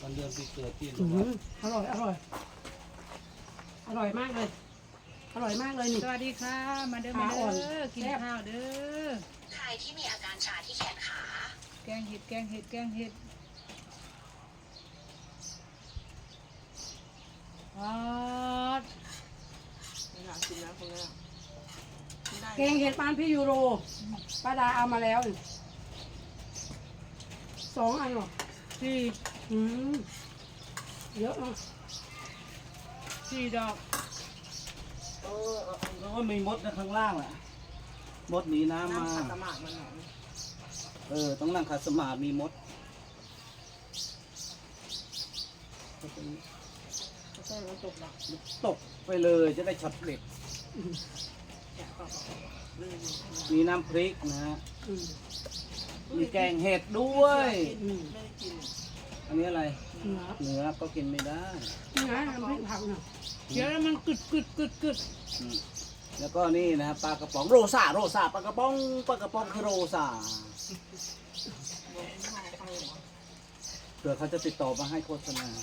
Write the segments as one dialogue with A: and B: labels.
A: วันเดือนปีเกิดที่
B: อร่อยอร่อยอร่อยมากเลยอร่อยมากเลยนี่
C: สวัสดีค่ะมาเด้อมาเด้อกินข้าวเด้อ
D: ใครที่มีอาการชาที่แขนขา
C: แกงเห็ดแกงเห็ดแกงเห็ดอ๋อ
E: ไม่อยากกินแล้วคนนี้กินได้
B: แกงเห็ดปานพี่ยูโรป้าดาเอามาแล้ว2 อันหรอ
C: สี่
B: อืมเยอะเนาะ
C: สี่ดอก
A: แล้วก็มีมดนะข้างล่างอ่ะมดหนีน้ำมา
E: น้ำขัดสมาธิมันหน่อย
A: ต้องนั่งขัดสมาธิมีมด
E: ก็ใช่มันตกหนัก
A: ตกไปเลยจะได้ช็อตเด็ด
E: แกะก็ลื่น
A: มีน้ำพริกนะฮะ
B: อืม
A: มีแกงเห็ดด้วย
E: ไม่ได้กิน
A: อันนี้อะไร
B: เนื้อ
A: เนื้อก็กินไม่ได้
B: นี่นะน้ำพริกผักเนาะ
C: เดี๋ยวแล้วมันกึดกึดกึดกึด
A: อืมแล้วก็นี่นะฮะปลากระป๋องโรซาปลากระป๋องคือโรซา
E: บอกคุณพ่อเขาเหรอ
A: เผื่อเขาจะติดต่อมาให้โฆษณา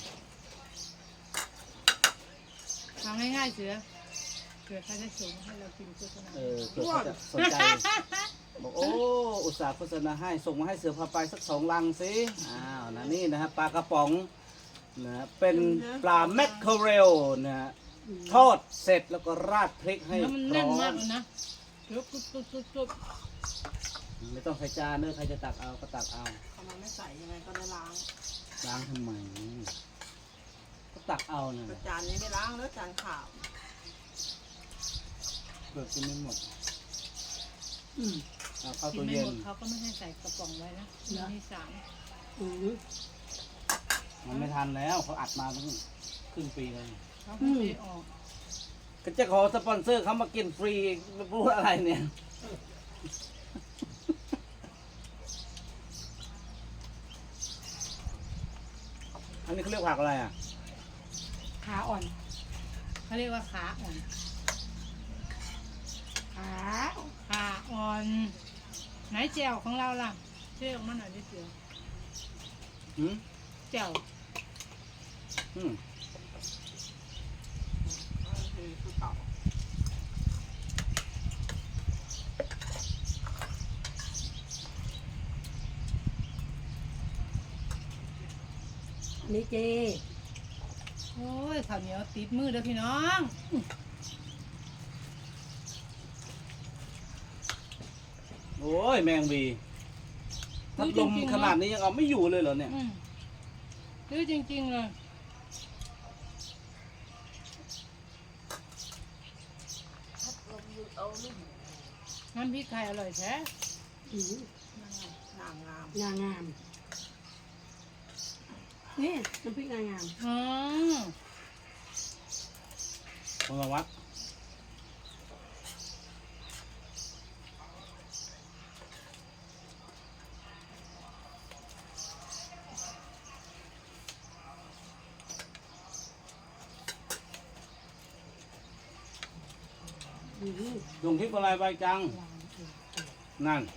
C: ทำง่ายๆเสือเผื่อเขาจะส่งให้เรากินโฆษณา
A: เผื่อเขาจะสนใจบอกโอ้อุตส่าห์โฆษณาให้ส่งมาให้เสือพาไปสัก2 ลังสิอ้าวนะนี่นะฮะปลากระป๋องนะเป็นปลาแมคเคอเรลนะฮะทอดเสร็จแล้วก็ราดพริกให้
C: แล้วมัน
A: พร้
C: แน่น
A: อ
C: มาก
A: ม
C: เลยนะเดี๋ยวกึดกึดกึดกึด
A: ไม่ต้องใส่จานเนอะใครจะตักเอาก็ตักเอา
E: ทำไมไม่ใส่ยังไงก็ได้ล้าง
A: ล้างทำไมก็ตักเอานะ
E: แต่จานนี้ไม่ล้างแล้วจานขาว
A: เปิดกินไม่หมด
B: อืม
A: เอาเข้า
C: กิ
A: ตั
C: น
A: ว
C: ไม่
A: เย็
C: หม
A: น
C: ดเขาก็ไม่ให้ใส่กระป๋องไว้นะมี3
B: อืม
A: มันไม่ทันแล้วเขาอัดมาตั้งครึ่งปีเลย
C: เขาไม่ได้ออก
A: ก็จะขอสปอนเซอร์เขามากินฟรีไม่รู้อะไรเนี่ย อันนี้เขาเรียกผักอะไรอ่ะ
B: ขาอ่อน
C: เขาเรียกว่าขาอ่อน
B: ขา
C: ขาอ่อนไหนแจ่วของเราล่ะช่วยออกมาหน่อยดิเสือ
A: หืม
C: แจ่ว
A: อืม
E: คือเก่า
B: อันนี้เจ
C: โอ้ยข้าวเหนียวติดมือเด้อพี่น้อง
A: โอ้ยแมงวีพัดลมขนาดนี้ยังเอาไม่อยู่เลยเหรอเนี่ย
C: ดื้อจริงๆเลย น้ำพริกไทยอร่อยแท้
B: อืม
E: งามงาม
B: งางามนี่น้ำพริกงางาม
C: อ๋อ
A: พลวัตลงคลิปอะไรไปจัง นั่น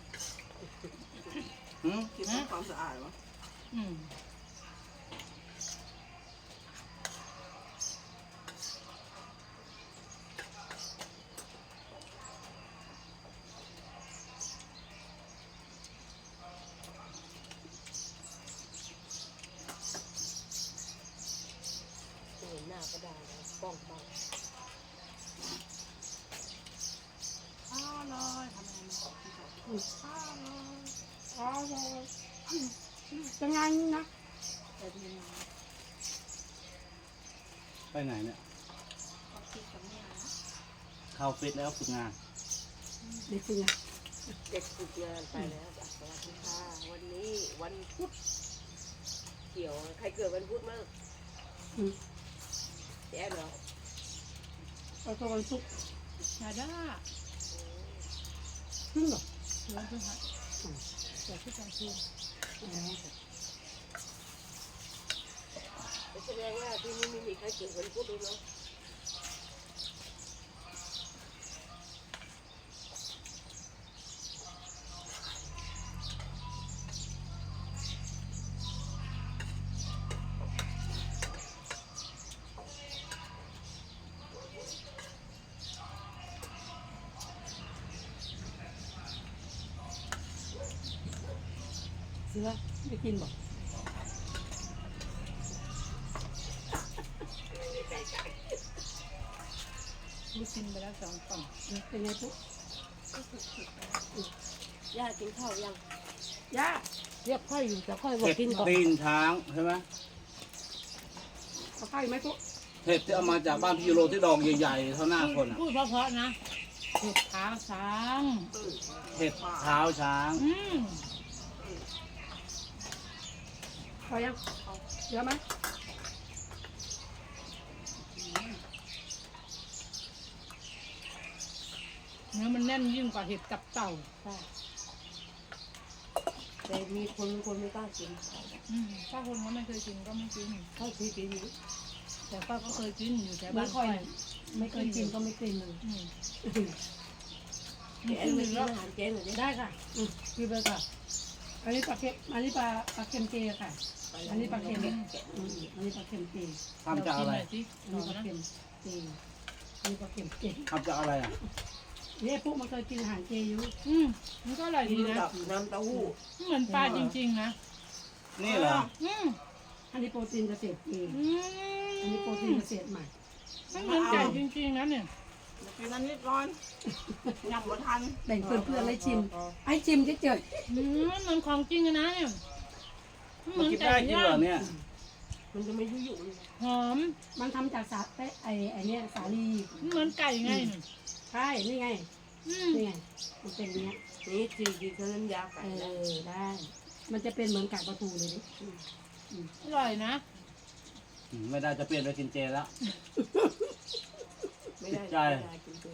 A: หืม
E: คิดว่าความสะอาดวะ
C: อืม
E: หน้าก็ได้ป้องป้อง
C: อร่อยทำไมมัน
B: จะงานนะ
E: แต่ทีนี้
A: ไปไหนเนี่ย
E: เขาคิดกับแม่นะ
A: เข้าฟิตแล้วฝึกงาน
B: เด็กฝึกงาน
E: เด็กฝึกงานไปแล้วจ้ะสวัสดีค่ะวันนี้วันพุธเกี่ยวใครเกิดวันพุธมั้ง
B: อืม
E: แอนเหรอ
B: เอาตัววันศุกร์
C: ชาด้า
B: ขึ้นเหรอ
C: เสือคือหัดเสือคือการคืน
E: แสดงว่าที่นี่ไม่มีใครเกิดวันพุธเลยเนาะ
B: เสือไม่กินบอก
C: ลูกกินไปแล้ว2 กล่อง
B: เป็นไงปุ๊บ
E: ย่ากินข้าวยัง
B: ย่า
E: เรียกค่อยอยู่แต่ค่อยบอก
A: เห็ด
E: กินก่อน
A: ตีนช้างใช่ไหม
B: เอาข้าวอีกไหมปุ๊บ
A: เห็ดที่เอามาจากบ้านพี่ยูโรที่ดอกใหญ่ๆเท่าหน้าคนอ่ะ
C: พูดเพราะๆนะเห็ดขาวช้าง
A: เห็ดเท้าช้าง
B: พอยังเยอะไหม
C: เนื้อมันแน่นยิ่งกว่าเห็ดตับเต่า
E: ใช่แต่มีคนไม่กล้ากิน
C: ถ้าคนเขาไม่เคยกินก็ไม่กิน
E: ข้าวที่กินอยู่
C: แต่ป้าก็เคยกินอยู่แต่
B: ไม่
C: บ้าน
B: ค่อย
C: ค่อย
B: ไม่เคยกินก็ไม่กินเลย
E: แกไม่กินอาหารเจหน่อยดิ
B: ได้ค่ะกินไปค่ะอันนี้ปลาเค็มอันนี้ปลาเค็มเจค่ะ อันนี้ปลาเค็มอันนี้ปลาเค็มเจ
A: ทำจากอะไร
C: สิ
B: อันนี้ปลาเค็มเจอันนี้ปลาเค็มเจ
A: ทำจากอะไรอ่ะ
B: เนี่ยพวกมันเคยกินอาหารเจอยู่
C: มันก็อร่อย
E: กิน
C: ดีนะ
E: กับน้ำเต้าหู้
C: เหมือนปลาจริงๆนะ
A: นี่เหรอ
B: อันนี้โปรตีนเกษตรเจอันนี้โปรตีนเกษตรใหม่
C: มันเหมือนไก่จริงๆนะเนี่ย
F: กินอันนี้ก่อนยังบ่ทัน
B: แบ่งเพื่อนๆให้ชิมให้ชิมเฉย
C: มันเหมือนของจริงอะนะเนี่ยมันเห
A: มั
C: มื
A: น
C: อน
A: กิน
C: ไก่
A: ได้จริง
C: ย่า
A: เหรอง เนี่ย
E: มันจะไม่ยุ่ยยุ่ย
C: หอม
B: ๆมันทำจากสาไอ้เนี่ยสาลี
C: มันเหมือนไก่ไง
B: ใช่นี่ไง
C: อืม
B: นี่ไงมันเป็นเนี้ย
E: นี่จีกินเขาน้ำยาไก่
B: เอ
E: นะ
B: อได้ มันจะเป็นเหมือนกากปลาทูเลยดิ
C: อร่อยนะ
A: ไม่ได้จะเปลี่ยนไปกินเจแล้ว
E: ไม่ได้
A: ใช่
E: ไม่ได้กินเจ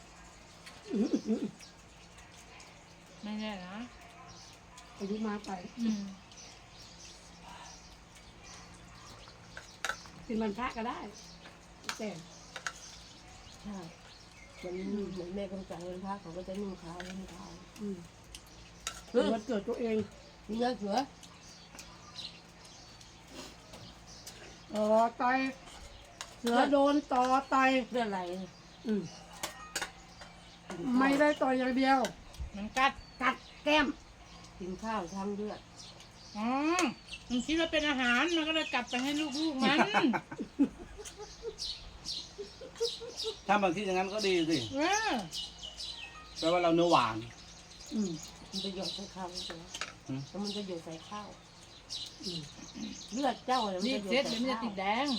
C: ไม่แน่นะ
B: อายุมากไป กินมันพระก็ได้แต่
E: ใช่เหมือนแม่กำจัดเงินพระเขาก็จะนุ่งขาวนุ่งขาว
B: วันเกิดตัวเอง
E: นี่เงือกเสือ
B: ต่อยเสือโดนต่อต่อย
E: เรื่องอะไร
B: ไม่ได้ต่อยอย่างเดียว
C: มันกัด
B: กัดแก้ม
E: กินข้าวทั้งเลือด
C: อ๋อมันคิดว่าเป็นอาหารมันก็เลยกลับไปให้ลูกๆมัน
A: ถ้าบางที่อย่างนั้นก็ดีสิ
C: เออ
A: แปลว่าเราเนื้อหวาน
E: มันจะหยดใส่ข้าวใช่ไหม
A: อืม
E: แล้วมันจะหยดใส่ข้าวเลือดเจ้าเนี่ยมัน
C: รี
E: จะ
C: บ
E: หยด
C: เซ็ต
E: ใส่
C: เดี๋ยวมันจะ
E: ข้าว
C: ติดแดง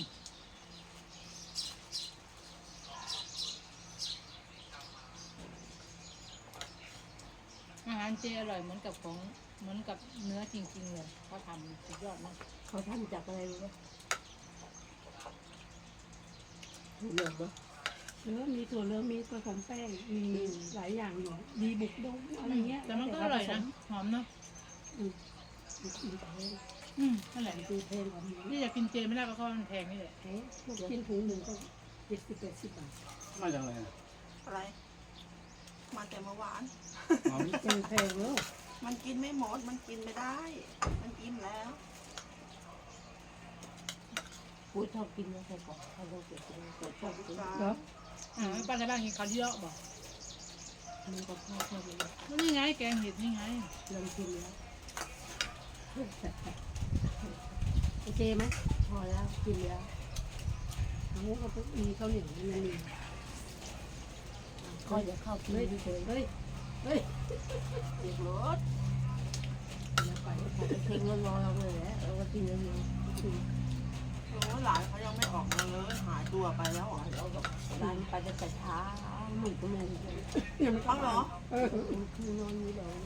C: อาหารเจอร่อยเหมือนกับของเหมือนกับเนื้อจริงๆเลยเขาทำสุดยอดมาก
E: เขาทำจากอะไรรู้ไหมเหลืองปะ
B: เนื้อมีถั่วเหลืองมีผสมแป้งมีหลายอย่างอยู่ดีบุกดงอะไรเงี้ย
C: แต่มันก็อร่อยนะหอมเนาะ นั่นแหละ
B: ดูเพลงของมัน
C: นี่อยากกินเจไม่ได้เพราะว่ามันแพงนี่แหละ
B: พวกกินถุงหนึ่งก็70-80 บาท
A: มาจากอะไรอะ
F: อะไร มาแต่เมื่อวาน
A: อ๋อ
B: เป็นแพงแล้ว
F: มันกินไม่หมด มันกินไม่ได้ มันกินแล้ว
E: พูดชอบกินนะใส่กรอกเขาต้องเก็บกินแต่ชอบกิน
B: เหรอ
C: ป้าในบ้านกินข้าวเยอะบอก
E: มันก็ชอบกิน
C: แล้วนี่ไงแกงเห็ดนี่ไง
E: ลองกินแล้ว
B: โอเคไหม
E: พอแล้วกินแล้ว
B: เอาก็มีข้าวเหนียวมันมี
E: ก็จะเข้ากิน
B: เฮ้ย
E: เฉย
B: เฮ้ยเฮ้ย
E: ๆเด็กรถ
B: แล้วไป
E: พอไปเช็คเงินรอเราเลยแหละเราก็กินเงิน
F: โอ้หลานเขายังไม่ออกมาเลย หายตัวไปแล้วเหรอ
E: เราก็ร้านไปจะแต่เช้าหนุ่มก็ไม่รู้เลย
B: ยังไม่
F: เขาเหรอ
E: คือนอนนี่เลย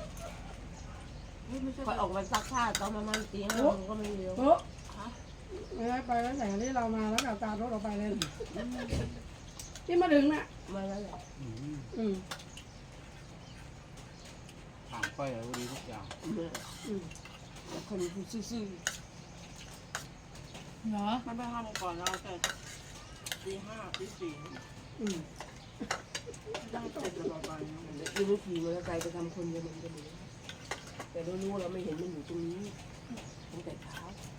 E: คอยออกมาซักผ้าตอนประมาณตีห้ามันก็ไม่เร็ว
B: โอ้ไม่ได้ไปแล้วแต่ที่เรามาแล้วกับตามรถเราไปเลยที่มาถึงน่ะ
E: มาแล้วแหละ
A: ถามก้อยเลยว่าดีทุกอย่าง
E: แต่คนซื่อ
C: เหรอ
F: มันไปทำก่อนเราแต่ตีห้าตีสี่ ได้เสร็จแล้วไป
E: ๆยูนุขี่มอเตอร์ไซค์ไปทำคนเดียวมันก็ดีแต่เรารู้เราไม่เห็นมันอยู่ตรงนี้ตั้งแต่เช้า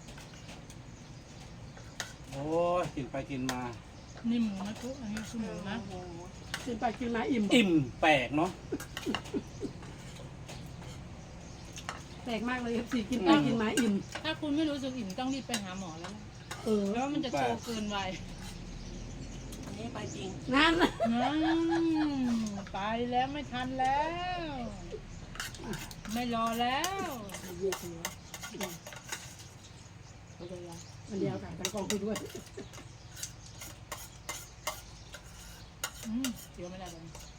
A: โอ้ยกินไปกินมา
C: นี่หมูนะทุกอันนี้คือหมูนะ
B: กินไปกินมาอิ่ม
A: อิ่มแปลกเนาะ
B: แปลกมากเลยสิกินไปกินมาอิ่ม
C: ถ้าคุณไม่รู้สึกอิ่มต้องรีบไปหาหมอแล้วล่ะ
B: เออ
C: แล้วมันจะโตเกินวัย
F: อันนี้ไปจริง
B: นั่น
C: ไปแล้วไม่ทันแล้ว ไม่รอแล้ว
B: เยอะเลยมันเดียวค่ะทั้งกองคุยด้วย
C: เดี๋ยวไม่ได้เลย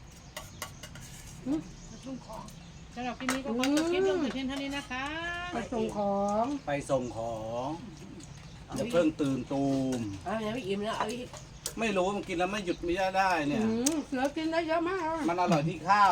F: ชุ่มคอ
C: สำหรับคลิปนี้ก็ขอจบคลิปลงแต่เพียงเท่านี้นะคะ
B: ไปส่งของ
A: ไปส่งของอย่าเพิ่งตื่นตูม
F: เอาอย่างไม่อิ่มแล้วเอาอีก
A: ไม่รู้มันกินแล้วไม่หยุดไม่ได้เนี่ย
B: เสือกินได้เยอะมาก
A: มันอร่อยที่ข้าว